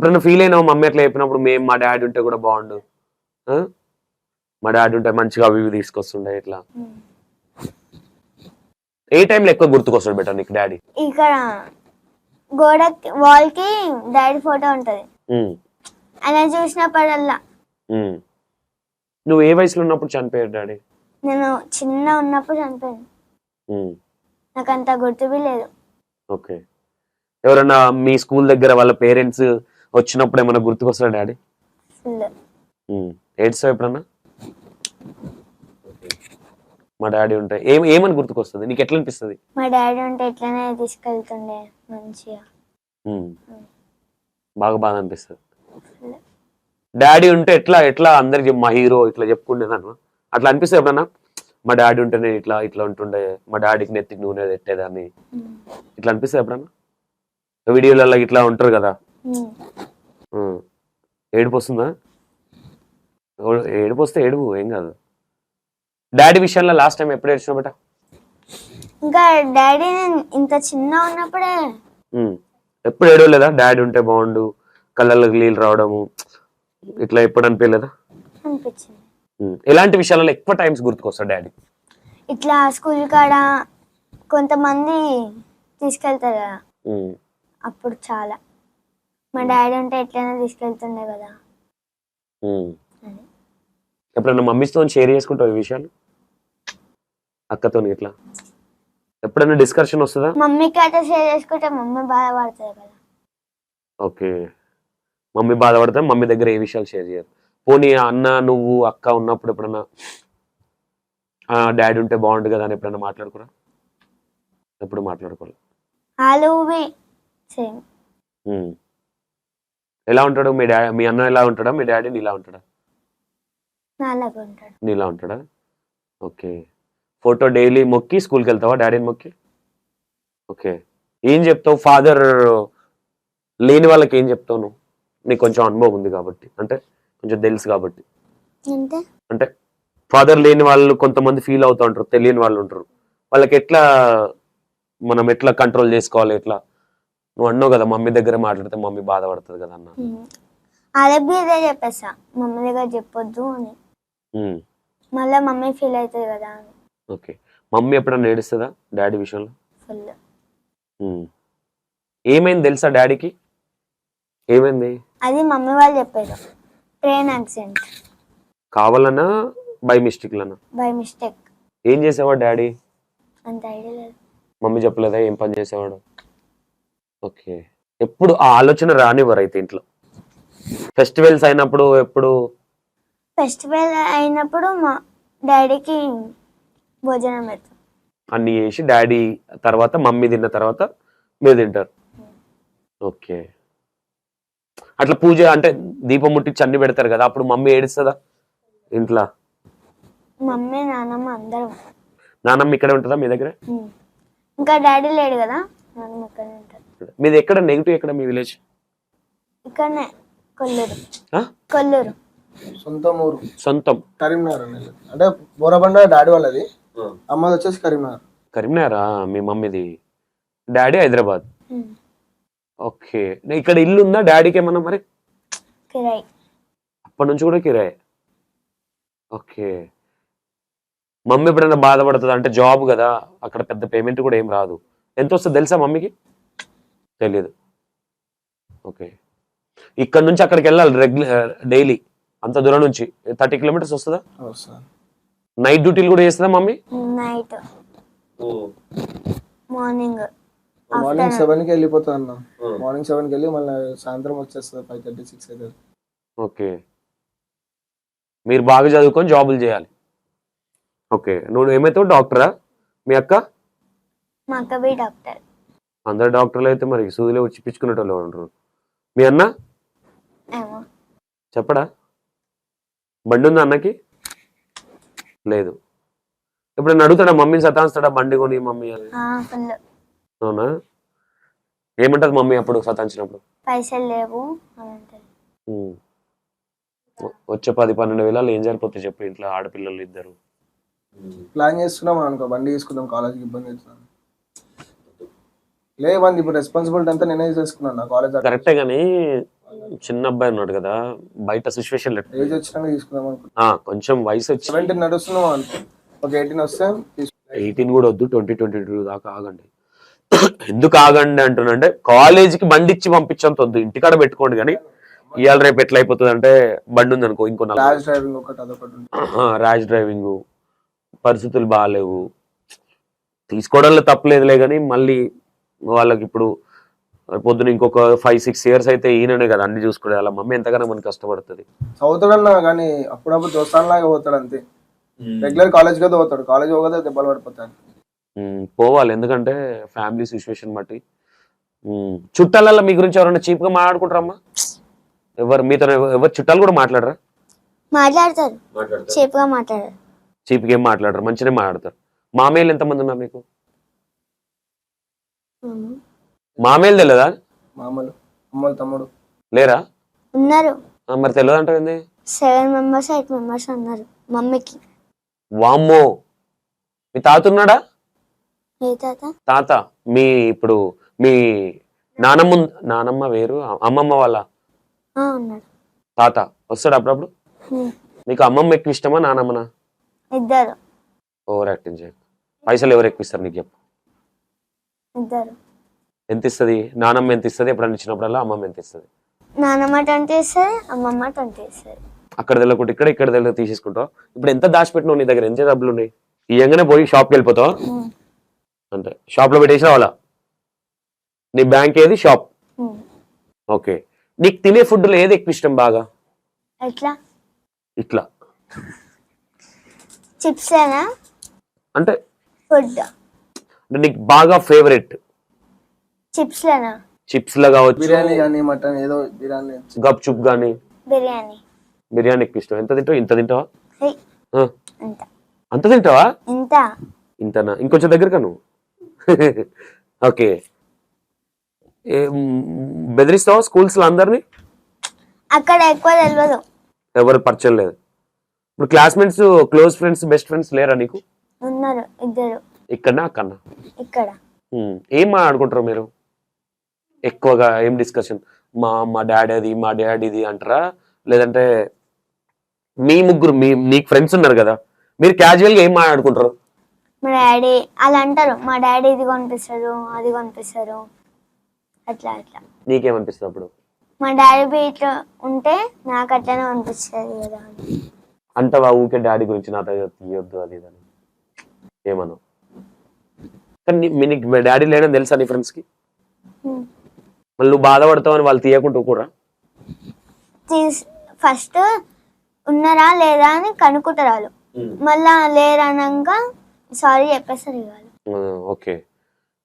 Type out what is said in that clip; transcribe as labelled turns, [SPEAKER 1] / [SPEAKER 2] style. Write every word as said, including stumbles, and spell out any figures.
[SPEAKER 1] ఎప్పుడైనా ఫీల్ అయినావు మమ్మీ అట్లా చెప్పినప్పుడు మేము మా డాడీ ఉంటే కూడా బాగుండు, మా డాడీ ఉంటే మంచిగా అవి ఇవి తీసుకొస్తుండే ఇట్లా? ఏ టైంలో ఎక్కువ గుర్తుకొస్తాడు బెటర్ నీకు డాడీ?
[SPEAKER 2] ఇక్కడ గోడకి వాల్ కి డాడీ ఫోటో ఉంటది, ఆయన చూసినప్పుడల్లా.
[SPEAKER 1] నువ్వు ఏ వయసులో ఉన్నప్పుడు చనిపోయారు డాడీ?
[SPEAKER 2] నేను చిన్న ఉన్నప్పుడు చనిపోయాను, నాకు అంత గుర్తుబి లేదు.
[SPEAKER 1] ఓకే. ఎవరన్నా మీ స్కూల్ దగ్గర వాళ్ళ పేరెంట్స్ వచ్చినప్పుడు ఏమన్నా గుర్తుకొస్తారా డాడీ? ఏడ్చావు ఎప్పుడన్నా? మా డాడీ ఉంటే ఏం ఏమని గుర్తుకొస్తుంది నీకు? ఎట్లా అనిపిస్తుంది?
[SPEAKER 2] మా డాడీ ఉంటే ఎట్లనే తీసుకెళ్తుండే మంచిగా,
[SPEAKER 1] బాగా బాగా అనిపిస్తుంది. డాడీ ఉంటే ఎట్లా ఎట్లా అందరికి మా హీరో ఇట్లా చెప్పుకుండేదాను అట్లా అనిపిస్తుంది ఎప్పుడన్నా? మా డాడీ ఉంటేనే ఇట్లా ఇట్లా ఉంటుండే, మా డాడీకి నెత్తికి నూనె పెట్టేదాన్ని, ఇట్లా అనిపిస్తుంది ఎప్పుడన్నా? వీడియోలలో ఇట్లా ఉంటారు కదా, ఏడుపు వస్తుందా? ఏడుపు వస్తే ఏడుపు, ఏం కాదు. డాడీ విషయంలో లాస్ట్ టైం ఎప్పుడు ఏడ్చినావు బేట?
[SPEAKER 2] ఇంకా డాడీ ఇంత చిన్న ఉన్నప్పుడే.
[SPEAKER 1] ఎప్పుడు ఏడవలేదా? డాడీ ఉంటే బాగుండు, కళ్ళకి నీళ్ళు రావడము ఇట్లా ఎప్పుడు అనిపించలేదా?
[SPEAKER 2] అనిపించింది.
[SPEAKER 1] ఎలాంటి విషయాలలో ఎక్కువ టైమ్స్ గుర్తుకొస్తాడు డాడీ?
[SPEAKER 2] ఇట్లా స్కూల్ కాడ కొంతమంది తీసుకెళ్తారు కదా, అప్పుడు చాలా మా డాడీ ఉంటే ఎట్లైనా తీసుకెళ్తుండే కదా.
[SPEAKER 1] ఎప్పుడన్నా మమ్మీతో షేర్ చేసుకుంటావు ఈ విషయాలు? అక్కతో ఇట్లా ఎప్పుడైనా డిస్కషన్ వస్తుందా?
[SPEAKER 2] మమ్మీకి అయితే షేర్ చేసుకుంటే మమ్మీ బాధపడుతుంది కదా.
[SPEAKER 1] ఓకే, మమ్మీ బాధపడతా మమ్మీ దగ్గర ఏ విషయాలు షేర్ చేయరు. పోనీ అన్న నువ్వు అక్క ఉన్నప్పుడు ఎప్పుడన్నా డాడీ ఉంటే బాగుండు కదా అని ఎప్పుడన్నా మాట్లాడుకోరా? ఎప్పుడు మాట్లాడుకోవాలి. ఎలా ఉంటాడు మీ డాడీ? మీ అన్న ఎలా ఉంటాడా? మీ డాడీ నీలా ఉంటాడా? నీలా ఉంటాడా? ఓకే. ఫోటో డైలీ మొక్కి స్కూల్కి వెళ్తావా డాడీని మొక్కి? ఓకే. ఏం చెప్తావు ఫాదర్ లేని వాళ్ళకి? ఏం చెప్తావు నువ్వు? నీకు కొంచెం అనుభవం ఉంది కాబట్టి, అంటే కొంచెం తెలుసు కాబట్టి. అంటే ఫాదర్ లేని వాళ్ళు కొంతమంది ఫీల్ అవుతూ ఉంటారు, తెలియని వాళ్ళు ఉంటారు, వాళ్ళకి ఎట్లా మనం ఎట్లా కంట్రోల్ చేసుకోవాలి? ఎట్లా? నువ్వు అన్నావు కదా మమ్మీ దగ్గర మాట్లాడితే మమ్మీ బాధపడుతుంది కదా అన్న.
[SPEAKER 2] అదే చెప్పేసా, మమ్మీ దగ్గర చెప్పొద్దు అని, మళ్ళీ మమ్మీ ఫీల్ అవుతుంది కదా అని.
[SPEAKER 1] ఓకే. మమ్మీ ఎప్పుడన్నా ఏడుస్తుందా డాడీ విషయంలో? ఏమైంది తెలుసా డాడీకి? ఏమైంది?
[SPEAKER 2] అది మమ్మీ వాళ్ళు చెప్పారు, ట్రైన్ యాక్సిడెంట్.
[SPEAKER 1] కావాలన్నా బై మిస్టేక్ లనా?
[SPEAKER 2] By mistake.
[SPEAKER 1] ఏం చేసేవాడు డాడీ?
[SPEAKER 2] అంత ఐడియా లేదు.
[SPEAKER 1] మమ్మీ చెప్పలేదా ఏం పని చేసేవాడు? ఓకే. ఎప్పుడు ఆ ఆలోచన రానివ్వరు అయితే ఇంట్లో? ఫెస్టివల్స్ అయినప్పుడు ఎప్పుడు?
[SPEAKER 2] ఫెస్టివల్ అయినప్పుడు మా డాడీకి భోజనం పెడతాం
[SPEAKER 1] అన్ని చేసి, డాడీ తర్వాత మమ్మీ తిన్న తర్వాత మీరు తింటారు. ఓకే. అట్లా పూజ అంటే దీపం ముట్టించి అన్ని పెడతారు కదా, అప్పుడు మమ్మీ ఏడుస్తుందా ఇంట్లో?
[SPEAKER 2] మమ్మీ నాన్నమ్మ అందరం.
[SPEAKER 1] నాన్నమ్మ ఇక్కడే ఉంటుందా మీ దగ్గర?
[SPEAKER 2] ఇంకా డాడీ లేడు కదా, నాన్నమ్మ ఇక్కడే ఉంటారు.
[SPEAKER 1] మీది ఎక్కడ నెగిటివ్ ఎక్కడ మీ విలేజ్?
[SPEAKER 2] ఇక్కడనే కొల్లూరు. కొల్లూరు
[SPEAKER 3] సొంతం ఊరు.
[SPEAKER 1] సొంతం
[SPEAKER 3] కరీంనగర్ అంటే బోరబండ డాడీ వాళ్ళది, అమ్మది వచ్చేసి కరీంనగర్.
[SPEAKER 1] కరీంనగరా మీ మమ్మీది? డాడీ హైదరాబాద్. ఓకే. ఇక్కడ ఇల్లు ఉందా డాడీకి ఏమన్నా మరి?
[SPEAKER 2] కిరాయి.
[SPEAKER 1] అప్పటి నుంచి కూడా కిరాయి. ఓకే. మమ్మీ ఎప్పుడైనా బాధపడుతుంది అంటే జాబ్ కదా అక్కడ పెద్ద పేమెంట్ కూడా ఏం రాదు, ఎంత వస్తుంది తెలుసా మమ్మీకి? తెలియదు. ఓకే. ఇక్కడ నుంచి అక్కడికి వెళ్ళాలి రెగ్యులర్ డైలీ, అంత దూరం నుంచి థర్టీ కిలోమీటర్స్ వస్తుందా? నైట్ డ్యూటీలు కూడా చేస్తుందా mummy?
[SPEAKER 2] Night morning
[SPEAKER 3] morning seven కి వెళ్ళిపోతా అన్న, మార్నింగ్ సెవెన్ కి వెళ్ళి మళ్ళీ సాయంత్రం వచ్చేస్తుంది ఫైవ్ థర్టీ సిక్స్ అవుతుంది.
[SPEAKER 1] ఓకే. మీరు బాగా చదువుకొని జాబులు చేయాలి. ఓకే. నువ్వు ఏమైతావు? డాక్టరా? మీ అక్క?
[SPEAKER 2] మా అక్క బి డాక్టర్.
[SPEAKER 1] అందరు డాక్టర్లు అయితే మరి సూదిలో వచ్చి పిచ్చుకునేటోళ్ళు ఉంటారు. మీ అన్న చెప్పడా? బండి ఉందా అన్నకి? లేదు. ఇప్పుడు అడుగుతాడా మమ్మీని సతాయిస్తాడా బండి కొని మమ్మీ అని? అవునా? ఏమంటది మమ్మీ అప్పుడు సతాయించినప్పుడు?
[SPEAKER 2] పైసలు లేవు.
[SPEAKER 1] వచ్చే పది పన్నెండు వేల ఏం సరిపోతాయి చెప్పు ఇంట్లో ఆడపిల్లలు ఇద్దరు?
[SPEAKER 3] ప్లాన్ చేస్తున్నాం అనుకో, బండి తీసుకుందాం, కాలేజ్కి ఇబ్బంది అవుతుంది. లేవండి ఇప్పుడు రెస్పాన్సిబిలిటీ అంతా నేనే చేసుకున్నాను కాలేజ్.
[SPEAKER 1] కరెక్టే కానీ చిన్న అబ్బాయి ఉన్నాడు కదా, బయట సిచ్యువేషన్
[SPEAKER 3] ఏజ్ వచ్చినాక తీసుకుందాం అనుకుంటా.
[SPEAKER 1] కొంచెం వయసు వచ్చి
[SPEAKER 3] సెవెంటీన్ నడుస్తున్నావు అంటే ఒక ఎయిటీన్ వస్తే తీసుకుందాం.
[SPEAKER 1] ఎయిటీన్ కూడా వద్దు, ట్వంటీ ట్వంటీ టూ దాకా ఆగండి. ఎందుకు ఆగండి అంటున్నంటే కాలేజీకి బండి ఇచ్చి పంపించంత వద్దు, ఇంటికాడ పెట్టుకోండి. కానీ ఇవాళ రేపు ఎట్లా అయిపోతుంది అంటే బండి ఉంది అనుకో, ఇంకో
[SPEAKER 3] ర్యాష్ డ్రైవింగ్ ఒకటి అదొకటి ఉంటుంది.
[SPEAKER 1] ర్యాష్ డ్రైవింగ్, పరిస్థితులు బాగాలేవు. తీసుకోవడంలో తప్పలేదులే, కానీ మళ్ళీ వాళ్ళకి ఇప్పుడు పొద్దున ఇంకొక ఫైవ్ సిక్స్ ఇయర్స్ అయితే ఈయననే కదా అన్ని చూసుకునే, వాళ్ళ మమ్మీ ఎంతగానో మనకి కష్టపడుతుంది.
[SPEAKER 3] చదువుతాడన్నా కానీ అప్పుడప్పుడు దోస్తాన్లాగా పోతాడు అంతే. రెగ్యులర్ కాలేజ్ కదా పోతాడు, కాలేజ్ పోతే దెబ్బలు పడిపోతాడు.
[SPEAKER 1] పోవాలి, ఎందుకంటే ఫ్యామిలీ సిచ్యువేషన్ బట్టి. ఉమ్, చుట్టాలల్లో మీ గురించి ఎవరైనా చీప్ గా మాట్లాడుకుంటారమ్మా? ఎవరు మీతో ఎవరు చుట్టాలు కూడా మాట్లాడరా?
[SPEAKER 2] మాట్లాడతారు, చీప్గా మాట్లాడారు.
[SPEAKER 1] చీప్గా ఏం మాట్లాడరు, మంచిగా మాట్లాడతారు. మామయ్యలు ఎంతమంది ఉన్నారు మీకు? మామయ్యలు తెలియదా?
[SPEAKER 3] మామూలు అమ్మలు తమ్ముడు
[SPEAKER 1] లేరా?
[SPEAKER 2] ఉన్నారు,
[SPEAKER 1] ఆ, మరి తెలియదు అంటే ఏంది?
[SPEAKER 2] సెవెన్ మెంబర్స్ ఎయిట్ మెంబర్స్ ఉన్నారు మమ్మీకి.
[SPEAKER 1] వామ్మో, మీ తాత ఉన్నాడా?
[SPEAKER 2] ఏ తాత?
[SPEAKER 1] తాత మీ ఇప్పుడు మీ నానమ్మ ఉన్- నానమ్మ వేరు, అమ్మమ్మ వాళ్ళ
[SPEAKER 2] ఆ, ఉన్నాడు.
[SPEAKER 1] తాత వస్తాడు అప్పుడప్పుడు?
[SPEAKER 2] హ్మ్.
[SPEAKER 1] మీకు అమ్మమ్మ ఎక్కువ ఇష్టమా నానమ్మనా?
[SPEAKER 2] ఇద్దరు
[SPEAKER 1] ఓవర్ యాక్టింగ్ చేయ. పైసలు ఎవరు ఎక్కువ ఇస్తారు నీకు చెప్పు?
[SPEAKER 2] ఇద్దరు.
[SPEAKER 1] ఎంత ఇస్తుంది నానమ్మ? ఎంత ఇస్తుంది ఎప్పుడన్నా ఇచ్చినప్పుడల్లా? అమ్మమ్మ ఎంత ఇస్తుంది?
[SPEAKER 2] నానమ్మ ట్వంటీ ఇస్తుంది, అమ్మమ్మ ట్వంటీ ఇస్తుంది.
[SPEAKER 1] అక్కడ తెల్లకుంటే ఇక్కడ, ఇక్కడ తెల్ల తీసేసుకుంటావు. ఇప్పుడు ఎంత దాచిపెట్టినావు నీ దగ్గర? ఎంత డబ్బులు ఉన్నాయి? ఇయ్యంగానే పోయి షాప్కి వెళ్ళిపోతావు అంటే షాప్ లో పెట్టేసి రావాలా? నీ బ్యాంక్ ఏది? షాప్. ఓకే, నీకు తినే ఫుడ్ లో ఏది ఎక్కువ ఇష్టం బాగా?
[SPEAKER 2] ఎట్లా?
[SPEAKER 1] ఇట్లా
[SPEAKER 2] చిప్స్ ఏనా
[SPEAKER 1] అంటే
[SPEAKER 2] ఫుడ్?
[SPEAKER 1] అంటే నీకు బాగా ఫేవరెట్
[SPEAKER 2] చిప్స్ లేనా?
[SPEAKER 1] చిప్స్ లా కావచ్చు,
[SPEAKER 3] బిర్యానీ కానీ మటన్ ఏదో బిర్యానీ.
[SPEAKER 1] గప్ చుప్ గానీ.
[SPEAKER 2] బిర్యానీ.
[SPEAKER 1] బిర్యానీ ఎక్కువ ఇష్టం. ఎంత తింటావు? ఇంత తింటావా?
[SPEAKER 2] హే,
[SPEAKER 1] ఆ,
[SPEAKER 2] ఇంత
[SPEAKER 1] అంత తింటావా?
[SPEAKER 2] ఇంత.
[SPEAKER 1] ఇంతనా? ఇంకొంచెం దగ్గరగా నువ్వు. ఓకే, బెదిరిస్తావా స్కూల్స్ లో అందరినీ?
[SPEAKER 2] అక్కడ ఎక్కువ తెలియదు,
[SPEAKER 1] ఎవరు పరిచయం లేదు. ఇప్పుడు classmates, close friends, best friends లేరా నీకు?
[SPEAKER 2] ఉన్నారు ఇద్దరు.
[SPEAKER 1] ఇక్కడనా అక్కడనా?
[SPEAKER 2] ఇక్కడ.
[SPEAKER 1] ఉమ్, ఏం మాట్లాడుకుంటారు మీరు ఎక్కువగా? ఏం డిస్కషన్? మా మా డాడీ అది, మా డాడీ ఇది అంటారా? లేదంటే మీ ముగ్గురు మీ నీకు ఫ్రెండ్స్ ఉన్నారు కదా, మీరు క్యాజువల్ గా ఏం మాట్లాడుకుంటారు?
[SPEAKER 2] మా డాడీ అలా అంటారు, మా డాడీ ఇది కొనిపిస్తారు, అది కొనిపిస్తారు, అట్లా అట్లా.
[SPEAKER 1] నీకేమనిపిస్తుంది అప్పుడు?
[SPEAKER 2] మా డాడీ బీట్ ఉంటే నాకు అట్లనే అనిపిస్తుంది కదా అని.
[SPEAKER 1] అంటవా ఊకే డాడీ గురించి నాతో తీయొద్దు అది ఇది అని ఏమన్నా? కానీ నీ- మీ నీకు డాడీ లేడని తెలుసా నీ ఫ్రెండ్స్ కి?
[SPEAKER 2] హ్మ్.
[SPEAKER 1] మళ్ళీ నువ్వు బాధపడతావు అని వాళ్ళు తీయకుండా కూడా?
[SPEAKER 2] తీస్ ఫస్ట్ ఉన్నారా లేదా అని కనుక్కుంటారు వాళ్ళు, మళ్ళా లేరన్నాక సారీ చెప్పేస్తారు ఇవాళ.
[SPEAKER 1] ఓకే,